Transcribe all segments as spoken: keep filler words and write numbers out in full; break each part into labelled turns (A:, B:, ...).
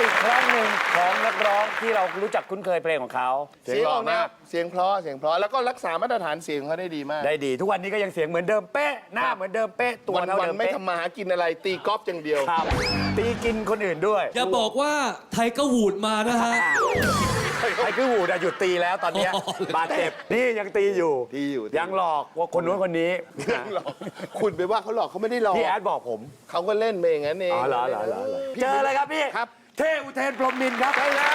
A: อีกครั้งหนึ่งของนักร้องที่เรารู้จักคุ้นเคยเพลงของเขา
B: เสียงออกมากเสียงเพราะเสียงเพราะแล้วก็รักษามาตรฐานเสียงเขาได้ดีมาก
A: ได้ดีทุกวันนี้ก็ยังเสียงเหมือนเดิมเป๊ะหน้าเหมือนเดิมเป๊ะตัว
B: วัน
A: เท่า
B: วัน
A: เดิม
B: ไม่
A: เป๊ะ
B: ทำมาหากินอะไรตีกอล์ฟอย่างเดียว
A: ครับตีกินคนอื่นด้วย
C: อย่าบอกว่าไทยก็วูดมานะฮะ
A: ไอ้คือหูหยุดตีแล้วตอนเนี้ย
C: อ๋อบ
A: าดเจ็บนี่ยังตีอยู่
B: ตีอยู่
A: ยังหลอกว่าคนนู้นคนนี้
B: หลอกคุณไปว่าเขาหลอกเขาไม่ได้หลอก
A: พี่แอดบอกผม
B: เขาก็เล่นไปอย่างนั้นเอง
A: อ๋อเหรอเหรอเหรอเหรอ
B: พี่
A: เจอเลยครับพี่
B: ครับ
A: เท่อุเทนพรหมนินทร์ครับใช่แล้ว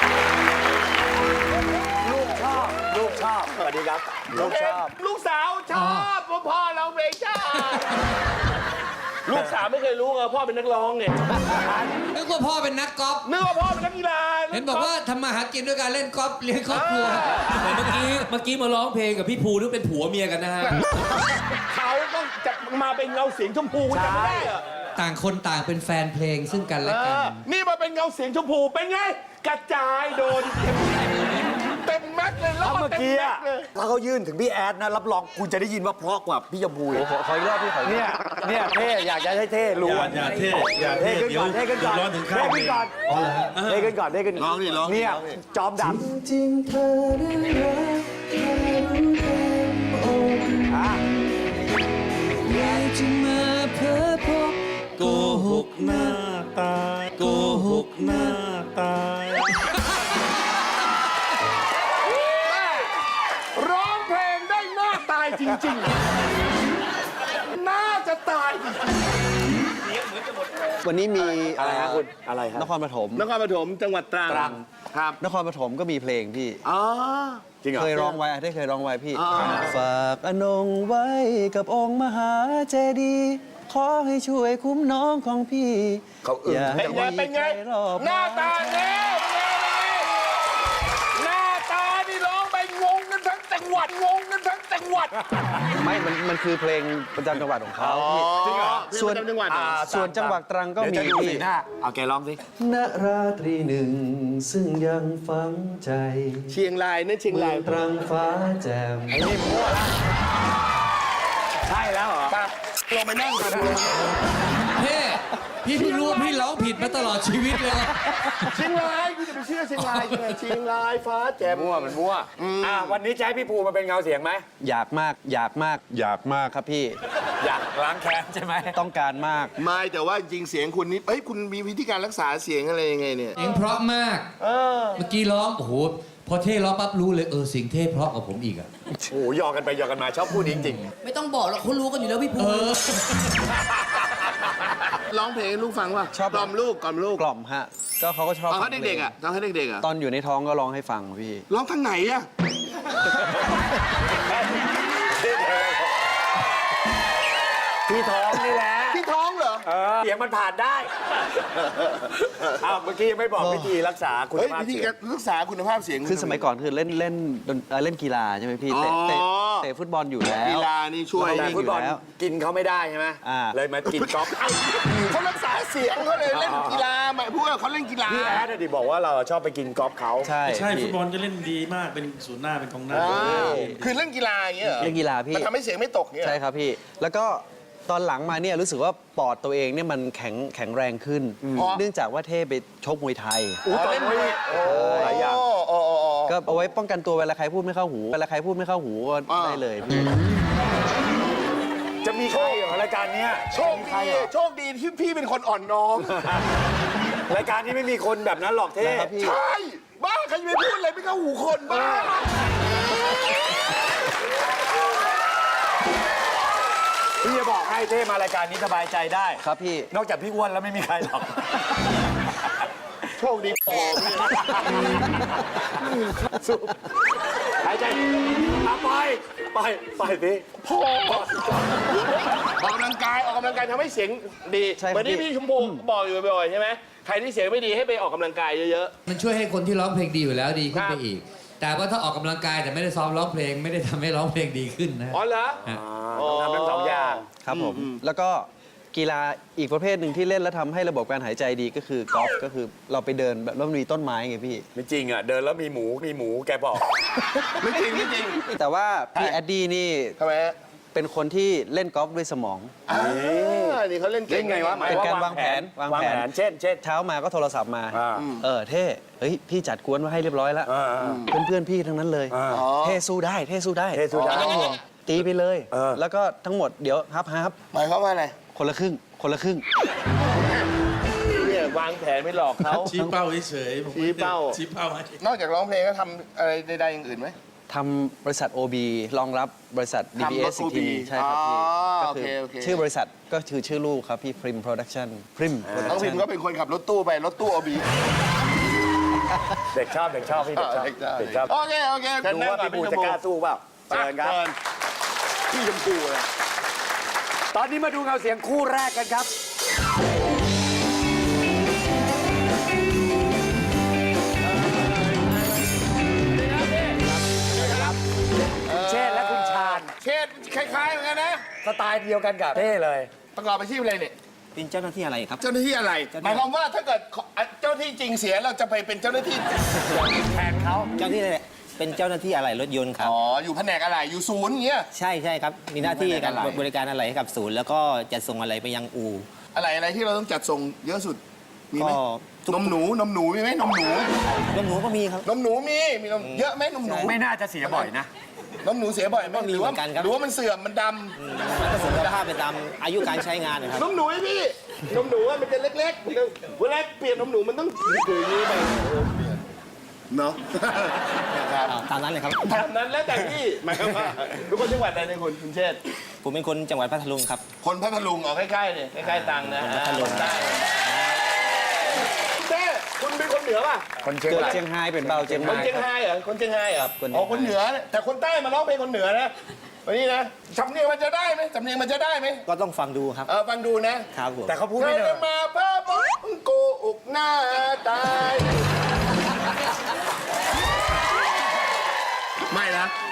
A: ลูกชอบลูกชอบสวัสดีครับลูกชอบ
B: ลูกสาวชอบว่าพ่อเราเพลงชอบลูกสาวไม่เคยรู้ไงพ่อเป็นนักร้องเนี่ย
C: นึกว่าพ่อเป็นนักกอล์ฟ
B: นึกว่าพ่อเป็นนักกีฬา
C: เห็นบอกว่าทำมาหากินด้วยการเล่นกอล์ฟเลี้ยงครอบครัวแต่เมื่อกี้เมื่อกี้มาร้องเพลงกับพี่ภูนึกเป็นผัวเมียกันนะฮะ
B: เขาต้องจะมาเป็นเงาเสียงชมพูคุณจำไม่ได้เหรอ
C: ต่างคนต่างเป็นแฟนเพลงซึ่งกันและ
B: เอ
C: กัน
B: อนี่มาเป็นเงาเสียงชมพูเป็นไงกระจายโดนเต็มแม็กเลยรอ
A: ถ้า
B: ด
A: เมื่อ
B: เต็ม
A: กี้
B: แม็
A: อะ
B: กเลย
A: ถ้าเขายื่นถึงพี่แอดนะรับรองคุณจะได้ยินว่าเพราะกว่าพี่ยมพูอีก
D: ขอขออีกรอบพี่ขออีกรอบ
A: เนี่ยเนี่ยเท่อยากจะให้เท่รู้
E: อย่าอย่าเท่อย่า
A: เท่
E: เท่
A: ขึ้น
E: เดี๋ย
A: ก่
E: ว
A: อนเท่ขึ้นก่อน
E: ร้อนถึงข้า
A: เท่
E: ว
A: ขึ้นก่อนเท่ขึ้นก่อนเท่ขึ้น
B: ร้องดิร้องดิ
A: เนี่ย
B: ร้องดิ
A: จอมด
D: จริงเธอได้รักแค่รู้เต็มอก
A: ำอ่ะ
C: อยากจะมาเพ้อพบ
E: โกหกหน้าตายโกหกหน้าตาย
B: ร้องเพลงได้หน้าตายจริงๆ น่าจะตายจริง
D: วันนี้มี
A: อะไรฮะคุณอะไรฮะ
D: นครปฐม
B: ๆนครปฐมจังหวัดตรัง
A: ตรัง
B: ครับ
D: นครปฐมก็มีเพลงพี่
B: อ๋อ
A: จริงเหรอ
D: เคยร้องไว้ได้เคยร้องไว้พี่
B: อ่า
D: ฝากอนงไว้กับองค์มหาเจดีย์ขอให้ช่วยคุ้มน้องของพี่
A: เขาอึ้ง
D: อย่าให้
B: เป็นไง
D: มี
B: เป็นไง
D: ใครรอบ
B: หน้าตาเนี่ยหน้าตานี่ร้องไปงงกันทั้งจังหวัดงงกันทั้งจังหวัด
D: ไม่มันมันคือเพลงประจำจังหวัดของเขาพี่
B: จริงเหรอ
D: ส่วน
B: ประจำจังหวัดเหรอ
A: อ่า
D: ส่วนจังหวัดตรังก็มี
A: เดี๋ยวจะดู
D: พี่
A: สีหน้าเอาแกร้องสิ
D: ณราตรีหนึ่งซึ่งยังฝังใจ
B: เชียงรายนั่นเชียง
D: เมื
B: รา
D: อย งตรังฟ้าแจ่ม
A: ไอ้นี่มั่วละใช่แล้วเหรอ
B: ไปลงไปนั่งกัน
C: เท่พี่เพิ่งรู้ว่าพี่ร้องผิดมาตลอดชีวิตเลย
B: เชียงรายคุณจะไปเชื่อเชียงรายยังไงเชียงรายฟ้าแจ่ม
A: มั่วมันมั่วอ่ะวันนี้จะให้พี่ภูมาเป็นเงาเสียงไหม
D: อยากมากอยากมาก
E: อยากมาก
D: ครับพี่
A: อยากล้างแค้นใช่ไหม
D: ต้องการมาก
B: ไม่แต่ว่าจริงเสียงคุณนี่เอ้ยคุณมีวิธีการรักษาเสียงอะไรยังไงเนี่ย
C: เสียงเพราะมาก เมื่อกี้ร้อง โอ้โห พอเท่ร้องปั๊บรู้เลย เออเสียงเท่เพราะกว่าผมอีกอะ
A: โอ้โหหยอกกันไปหยอกกันมาชอบพูดจริง
F: ไม่ต้องบอกหรอกเขารู้กันอยู่แล้วพี่ภู
C: เอ
F: มิ
C: อ
B: ร้องเพลงให้ลูกฟังป่ะ
D: ชอบ
B: กล่อมลูกกล่อมลูก
D: กล่อมฮะ ก็เขาก็ชอบ
B: ตอนเขา
D: ฟังพล
B: เด็กๆอ่ะตอนเขาเด็กๆอ่ะ
D: ตอนอยู่ในท้องก็ร้องให้ฟังพี่
B: ร้องทางไหนอ่ะ
A: ๆพี่ท้องนี่แหละ
B: ที่ท้องเหรอ
A: เออเสียงมันผ่านได้อ้าวเมื่อกี้ยังไม่บอกวิธีรักษาคุณ
B: เฮ้ย
A: ภาพ
B: วิธี
A: เสีย
B: กาง รรักษาคุณภาพเสียง
D: คือสมัยก่อนคือเล่นเล่นดนเอ่อเล่นกีฬาใช่ไหมพี่เตะ
B: อ๋อ
D: เตะเตะฟุตบอลอยู่แล้ว
B: กีฬานี่ช่วย
D: เรา
A: แต่
D: วิ่ง
A: ฟุตบอล
D: อยู่แล้ว
A: กินเขาไม่ได้ใช่ไหม
D: อ่า
A: เลยมากินก๊อฟ
B: เขารักษาเสียงเขาเลยเล่นกีฬาหมายพวกเขาเล่นกีฬา
A: พี่แอดอะดิบอกว่าเราชอบไปกินก๊อฟเขา
D: ใช่
E: ใช่
D: พี่
E: ฟุตบอลก็เล่นดีมากเป็นศูนย์หน้าเป็นกองหน้า
B: อ่าคือเล่นกีฬาอย่างเงี้ยเหรอ
D: เล่นกีฬาพี่
B: มันทำให้เสียงไม่ตกเงี้ย
D: ใช่ครับพี่ แล้วก็ตอนหลังมาเนี่ยรู้สึกว่าปอดตัวเองเนี่ยมันแข็งแข็งแรงขึ้น เนื่องจากว่าเท่ไปชกมวยไทย
B: อ๋อเล่นมวยโอ้
A: หลายอย่าง
B: โอ้โอ้โอ้
D: ก็เอาไว้ป้องกันตัวเวลาใครพูดไม่เข้าหูเวลาใครพูดไม่เข้าหูก็
B: อ่า
D: ได้เลยพี่
A: จะมีใครเหรอรายการเนี้ย
B: โชคดีโชคดีที่พี่เป็นคนอ่อนน้อม
A: รายการนี้ไม่มีคนแบบนั้นหรอกเท่
D: นะครับพี่
B: ใช่ บ้าใครจะไปพูดอะไรไม่เข้าหูคนบ้า
A: พี่จะบอกให้เท่มารายการนี้สบายใจได้
D: ครับพี่
A: นอกจากพี่อ้วนแล้วไม่มีใครหรอก
B: โชคดีพอ
A: สู้หายใจอ่ะไปไปไปสิ
B: พอออกกำลังกายออกกำลังกายทำให้เสียงดี
D: ใช่ครับ
B: เหมือนที่พี่ชมพูบอกอยู่บ่อยๆใช่ไหมใครที่เสียงไม่ดีให้ไปออกกำลังกายเยอะ
C: มันช่วยให้คนที่ร้องเพลงดีอยู่แล้วดีขึ้น
B: ครั
C: ไป
B: บ
C: อีก แต่ว่าถ้าออกกำลังกายแต่ไม่ได้ซ้อมร้องเพลงไม่ได้ทำให้ร้องเพลงดีขึ้นนะ
B: ๆอ๋อเหรอ
C: ฮะ
A: ต้องทำทั้งสองอย่าง
D: ครับผม แล้วก็กีฬาอีกประเภทหนึ่งที่เล่นแล้วทำให้ระบบการหายใจดีก็คือกอล์ฟก็คือเราไปเดินแบบแล้วมันมีต้นไม้ไงพี่
A: ไม่จริงอ่ะ เดินแล้วมีหมูมีหมูแกบอก
B: ไม่จริงไม่จริง
D: แต่ว่าพี่แอดดี้นี่
B: ทำไมฮะ
D: ไปเป็นคนที่เล่นกอล์ฟด้วยสมอง
B: อ่านี่เขาเล่นเก่
A: เล่
B: ง
A: นไงวะหมาย
D: เป็น
A: ว่า
D: การ
A: วาว
D: าง ง
A: แผ
D: แผ
A: น
D: นวาง
A: วาง
D: แผ
A: แผ
D: น
A: นเช่นเช่น
D: เช้ามาก็โทรศัพท์มา
A: อ่า
D: เออเท่เฮ้ยพี่จัดกวนมาให้เรียบร้อยแล้ว
A: อ่า
D: เพื่อนเพื่อนๆพี่ทั้งนั้นเลย
A: อ่า
D: เท่สู้ได้เท่สู้ได้
A: เท่สู้ได้
D: ไม่ต้องห่วงตีไปเลย
A: เออ
D: แล้วก็ทั้งหมดเดี๋ยวฮับฮับ
B: หมายความว่าอะไร
D: คนละครึ่ง คนละครึ่ง
B: เนี่ยวางแผนไม่หลอกเขา
E: ชี้เป้าเฉยๆผมไม่
B: ชี้เป้า
E: ชี้เป้าให้
B: นอกจากร้องเพลงก็ทำอะไรใดๆอย่างอื่นไหม
D: ทำบริษัท โอ บี รองรับบริษัท ดี บี เอส
B: ทำรถ
D: อีกทีหนึง
B: โอ บี
D: ใช่ครับพี่
B: อ๋อ
D: ก็คือ
B: โอเคโอเค
D: ชื่อบริษัทก็คือชื่อลูกครับพี่ Prim Production Prim
B: น้องพิม
D: Production
B: ก็เป็นคนขับรถตู้ไปรถตู้โอบี
A: เด็กชอบเด็กชอบพี่เด็กชอบเด็กชอบ
B: โอเคโอเค
A: ดูว่าพี่ปูจะกล้าสู้เปล่าเชิญครับ
B: พี่ชมพูเลย
A: ตอนนี้มาดูเงาเสียงคู่แรกกันครับ คุณเชษฐ์และคุณชาญ
B: เชษคล้ายๆเหมือนกันนะ
A: สไตล์เดียวกันกับเท่เลย
B: ประกอบอาชีพอะไรเนี่ย
G: เป็นเจ้าหน้าที่อะไรครับ
B: เจ้าหน้าที่อะไร หมายความว่าถ้าเกิดเจ้าหน้าที่จริงเสียเราจะไปเป็นเจ้าหน้าที่แทนเขา
G: เจ้าหน้าที่อะไรเป็นเจ้าหน้าที่อะไรรถยนต์ครับ
B: อ๋อ อยู่แผนกอะไร อยู่ศูนย์อย่างเงี้ย
G: ใช่ใช่ครับ มีหน้าที่การ
B: ไม่ได้อะไร
G: บริการอะไรให้กับศูนย์ แล้วก็จะส่งอะไรไปยังอู่
B: อะไรอะไรที่เราต้องจัดส่งเยอะสุด มีไหม
G: ก็
B: นมหนู นมหนูมีไหมนมหนู
G: รถหนูก็มีครับ
B: นมหนูมี มีนมเยอะไหมนมหนู
A: ไม่น่าจะเสียบ่อยนะ
B: นมหนูเสียบ่อยไหม
G: ก็มี
B: หรือว่า
G: เหมือนกันครับ
B: หรือว่ามันเสื่อม มันด
G: มันก็ส่งคุณภาพไปตามอายุการใช้งานนะครับ
B: ำนมหนูไอ้พี่ นมหนูอะมันจะเล็กๆมันจะเวลาเปลี่ยนนมหนูมันต้องถืออย่างนี้ไปเนาะ นะครับ
G: อ่าตามนั้นเลยครับ
B: ตามนั้นแล้วแต่พี่หมายความว่าทุกคนจังหวัดใดในคุณคุณเชษฐ์
G: ผมเป็นคนจังหวัดพัทลุงครับ
B: คนพัทลุงออกใกล้ๆเนี่ยใกล้ๆตังนะ
G: คนพัทลุง
B: ได้เต้คุณเป็นคนเหนือป่ะ
A: คนเชียง
D: เกิด
A: ราย
D: เชียงไฮ้เป็นเบาเชียง
B: คน
D: ราย
B: เชียง
D: ครับ
B: รายเหรอคนเชียงรายเหรอ
D: คนเชียงราย
B: อ๋อคนเหนือเนี่ยแต่คนใต้มาร้องเพลงคนเหนือนะวันนี้นะสำเนียงมันจะได้ไหมสำเนียงมันจะได้ไหม
G: ก็ต้องฟังดูครับ
B: เออฟังดูนะครับ
G: ผม
A: แต่เขาพูด
B: เธ
A: ไม่
B: อ
A: ได้
B: จะมาพาบงโกอกหน้าตาย ไม่นะ